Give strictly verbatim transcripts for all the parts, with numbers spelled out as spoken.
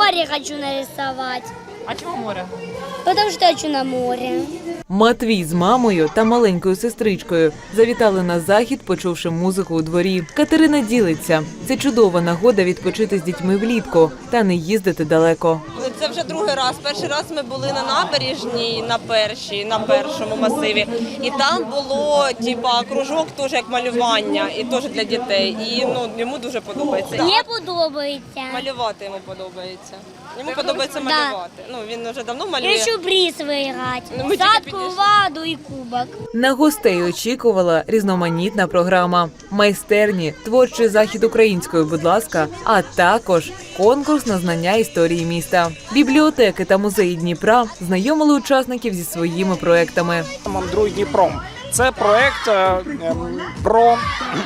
море хочу нарисовать. А чому море? Потому что хочу на море. Матвій з мамою та маленькою сестричкою завітали на захід, почувши музику у дворі. Катерина ділиться. Це чудова нагода відпочити з дітьми влітку та не їздити далеко. Це вже другий раз. Перший раз ми були на набережній, на першій, на першому масиві. І там було типа кружок, теж як малювання, і теж для дітей. І ну йому дуже подобається. Мені подобається. Малювати йому подобається. Йому подобається малювати. Ну він вже давно малює. Я хочу приз виграти. Ну, ми тільки Садку, підійшли. воду і кубок. На гостей очікувала різноманітна програма. Майстерні, творчий захід українською, будь ласка, а також конкурс на знання історії міста. Бібліотеки та музеї Дніпра знайомили учасників зі своїми проектами. «Мандруй Дніпром». Це проект е, ем, про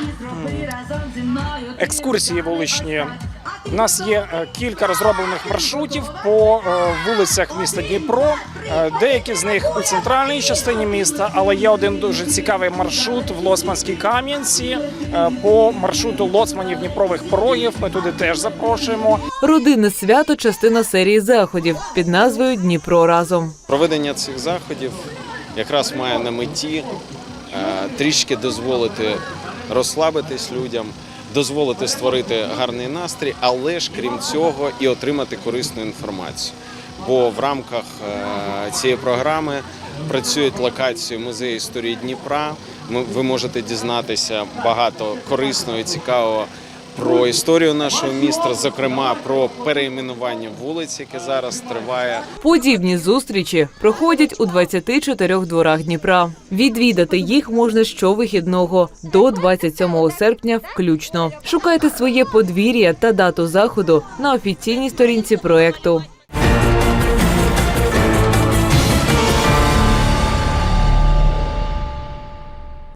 екскурсії вуличні. У нас є е, кілька розроблених маршрутів по е, вулицях міста Дніпро. Е, деякі з них у центральній частині міста, але є один дуже цікавий маршрут в Лоцманській Кам'янці е, по маршруту Лоцманів Дніпрових порогів. Ми туди теж запрошуємо. Родинне свято – частина серії заходів під назвою «Дніпро разом». Проведення цих заходів якраз має на меті е, трішки дозволити розслабитись людям, дозволити створити гарний настрій, але ж крім цього і отримати корисну інформацію. Бо в рамках е, цієї програми працюють локації музею історії Дніпра. Ми, ви можете дізнатися багато корисного і цікавого про історію нашого міста, зокрема про перейменування вулиць, яке зараз триває. Подібні зустрічі проходять у двадцяти чотирьох дворах Дніпра. Відвідати їх можна щовихідного до двадцять сьомого серпня включно. Шукайте своє подвір'я та дату заходу на офіційній сторінці проекту.